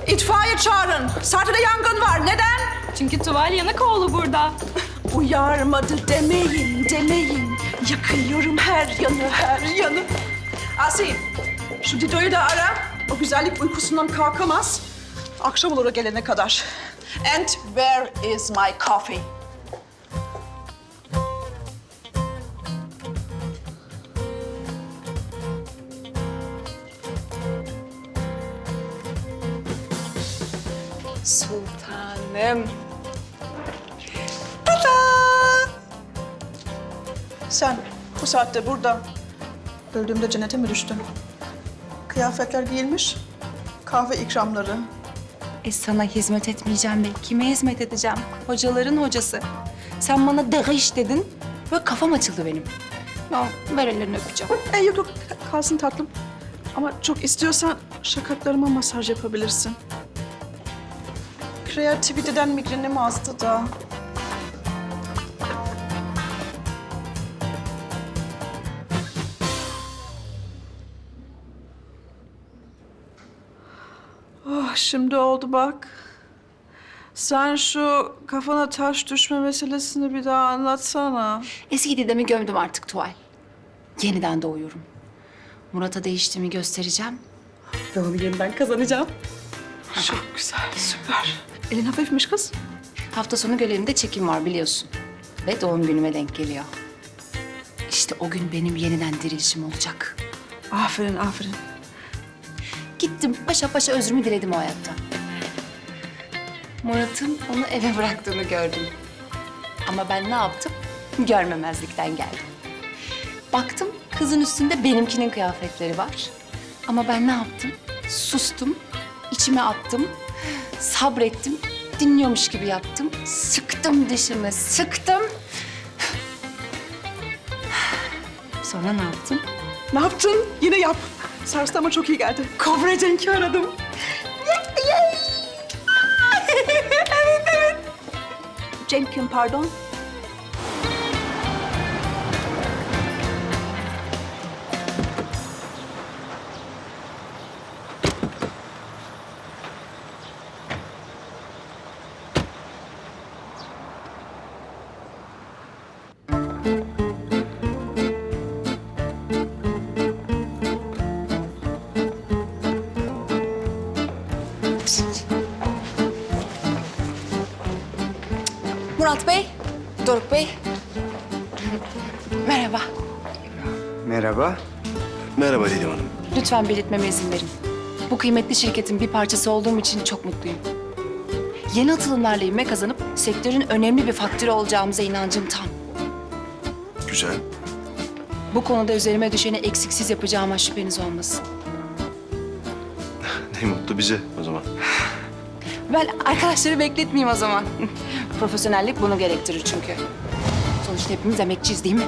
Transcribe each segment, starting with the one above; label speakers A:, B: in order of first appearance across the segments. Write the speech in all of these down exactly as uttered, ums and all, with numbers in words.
A: itfaiye çağırın. Sartı'da yangın var. Neden?
B: Çünkü Tuval Yanıkoğlu burada.
A: Uyarmadı demeyin, demeyin. Yakıyorum her yanı, her yanı. Asi, şu Dido'yu da ara. O güzellik uykusundan kalkamaz. Akşam olur o gelene kadar. And where is my coffee? Sultanım. Tada! Sen bu saatte burada öldüğümde cennete mi düştün? Kıyafetler giyilmiş, kahve ikramları.
B: E sana hizmet etmeyeceğim be. Kime hizmet edeceğim? Hocaların hocası. Sen bana dağış dedin ve kafam açıldı benim. Ya ver ellerini öpeceğim.
A: E, yok yok, kalsın tatlım. Ama çok istiyorsan şakaklarıma masaj yapabilirsin. Kreativiteden migrenim azdı da. Oh, şimdi oldu bak. Sen şu kafana taş düşme meselesini bir daha anlatsana.
B: Eski Didem'i gömdüm artık Tuval. Yeniden doğuyorum. Murat'a değiştiğimi göstereceğim. Ve onu yeniden kazanacağım.
A: Çok güzel, süper. Elin hafifmiş kız.
B: Hafta sonu görevimde çekim var biliyorsun. Ve doğum günüme denk geliyor. İşte o gün benim yeniden dirilişim olacak.
A: Aferin, aferin.
B: Gittim paşa paşa özrümü diledim o hayatta. Murat'ın onu eve bıraktığını gördüm. Ama ben ne yaptım? Görmemezlikten geldim. Baktım kızın üstünde benimkinin kıyafetleri var. Ama ben ne yaptım? Sustum, içime attım, sabrettim, dinliyormuş gibi yaptım. Sıktım dişimi, sıktım. Sonra ne yaptım?
A: Ne yaptın? Yine yap. Sarstı ama çok iyi geldi. Kobra Cenk'i aradım. evet, evet. Cenk kim, pardon?
B: Murat Bey, Doruk Bey. Merhaba.
C: Merhaba.
D: Merhaba Didem Hanım.
B: Lütfen belirtmeme izin verin. Bu kıymetli şirketin bir parçası olduğum için çok mutluyum. Yeni atılımlarla ivme kazanıp sektörün önemli bir faktörü olacağımıza inancım tam.
D: Güzel.
B: Bu konuda üzerime düşeni eksiksiz yapacağıma şüpheniz olmasın.
D: Ne mutlu bize o zaman.
B: Ben arkadaşları bekletmeyeyim o zaman. Profesyonellik bunu gerektirir çünkü. Sonuçta hepimiz emekçiyiz değil mi?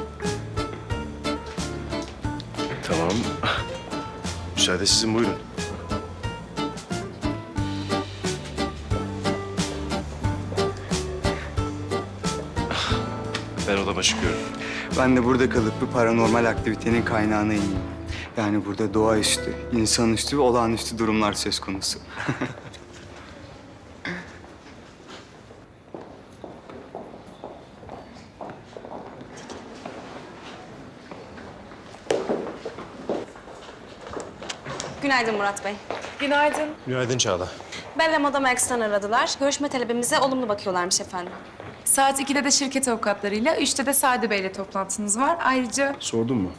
D: Tamam. Müsaade sizin, buyurun. Ben odama çıkıyorum.
C: Ben de burada kalıp bir paranormal aktivitenin kaynağına ineyim. Yani burada doğaüstü, insanüstü ve olağanüstü durumlar söz konusu.
E: Günaydın Murat Bey.
F: Günaydın.
D: Günaydın Çağla.
E: Bella Moda Max'tan aradılar. Görüşme talebimize olumlu bakıyorlarmış efendim.
F: Saat ikide de şirket avukatlarıyla, üçte de Sadi Bey'le toplantınız var. Ayrıca
D: Sordun mu?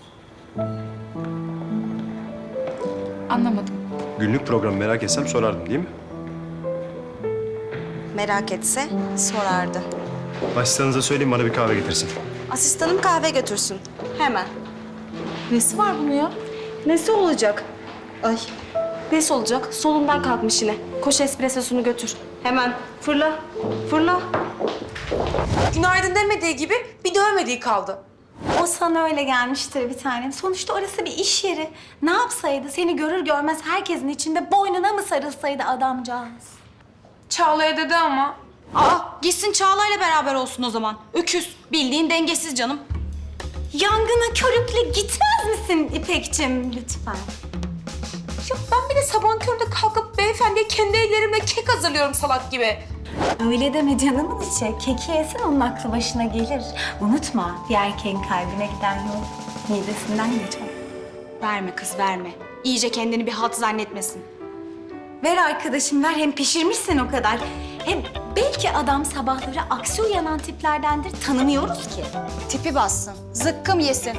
F: anlamadım.
D: Günlük programı merak etsem sorardım değil mi?
E: Merak etse sorardı.
D: Asistanınıza söyleyeyim bana bir kahve getirsin.
E: Asistanım kahve götürsün. Hemen.
F: Nesi var bunun ya?
E: Nesi olacak? Ay. Nesi olacak? Solundan kalkmış yine. Koş espressosunu götür. Hemen. Fırla. Fırla.
F: Günaydın demediği gibi bir dövmediği kaldı.
G: O sana öyle gelmiştir bir tanem. Sonuçta orası bir iş yeri. Ne yapsaydı seni görür görmez herkesin içinde boynuna mı sarılsaydı adamcağız?
F: Çağla'ya dedi ama.
H: Aa, gitsin Çağla'yla beraber olsun o zaman. Öküz, bildiğin dengesiz canım.
G: Yangına körükle gitmez misin İpekçim lütfen?
F: Yok ben bir de sabahın köründe kalkıp beyefendi yetişeceğim diye kendi ellerimle kek hazırlıyorum salak gibi.
G: Öyle deme canımın içi. Keki yesin onun aklı başına gelir. Unutma bir erkeğin kalbine giden yol midesinden geçer.
H: Verme kız verme. İyice kendini bir halt zannetmesin.
G: Ver arkadaşım ver, hem pişirmişsin o kadar. Hem belki adam sabahları aksi uyanan tiplerdendir, tanımıyoruz ki.
H: Tipi bassın, zıkkım yesin.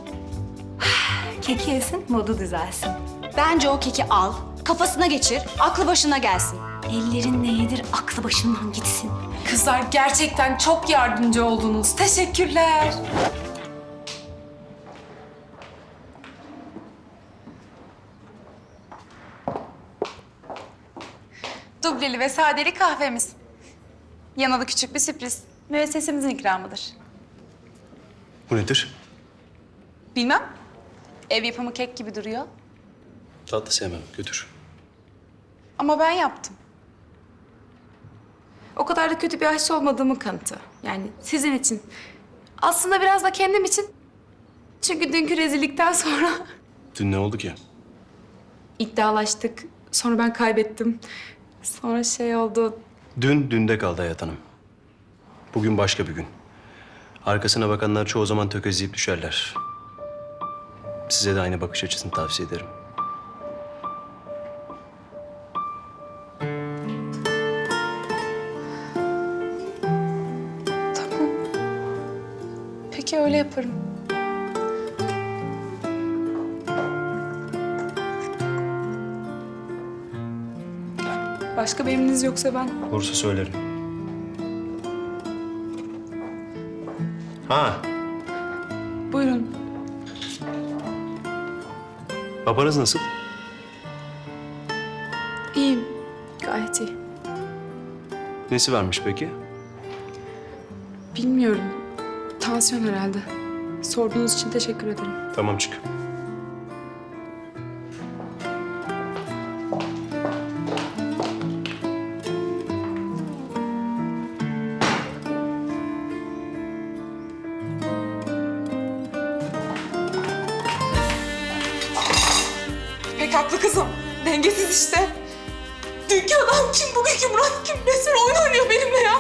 G: Keki yesin, modu düzelsin.
H: Bence o keki al, kafasına geçir, aklı başına gelsin.
G: Ellerin neyedir, aklı başından gitsin.
F: Kızlar gerçekten çok yardımcı oldunuz. Teşekkürler. Dubleli ve sadeli kahvemiz. Yanına da küçük bir sürpriz. Müessesemizin ikramıdır.
D: Bu nedir?
F: Bilmem. Ev yapımı kek gibi duruyor.
D: Tatlı sevmem. Götür.
F: Ama ben yaptım. O kadar da kötü bir aşçı olmadığımın kanıtı. Yani sizin için. Aslında biraz da kendim için. Çünkü dünkü rezillikten sonra
D: Dün ne oldu ki?
F: iddialaştık. Sonra ben kaybettim. Sonra şey oldu.
D: Dün dünde kaldı Hayat Hanım. Bugün başka bir gün. Arkasına bakanlar çoğu zaman tökezleyip düşerler. Size de aynı bakış açısını tavsiye ederim.
F: Peki öyle yaparım. Başka bir emriniz yoksa ben...
D: Olursa söylerim. Ha,
F: Buyurun.
D: babanız nasıl?
F: İyiyim. Gayet iyi.
D: Nesi varmış peki?
F: Bilmiyorum. Tansiyon herhalde. Sorduğunuz için teşekkür ederim.
D: Tamam, çık.
F: Pek haklı kızım. Dengesiz işte. Dünkü adam kim, bugünkü Murat kim? Resmen oyun oynuyor benimle ya.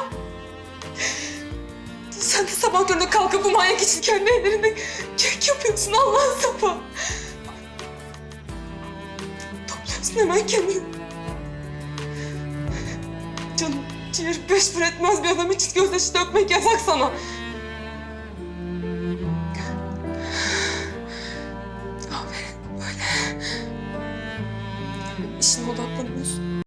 F: Sen de sabah köründe kalkıp bu manyak için kendi ellerinde kek yapıyorsun Allah'ın sapı. Topluyorsun hemen kendini. Canım ciğer beş para etmez bir adam için gözyaşı dökmek yasak sana. Abi böyle işine odaklanıyorsun.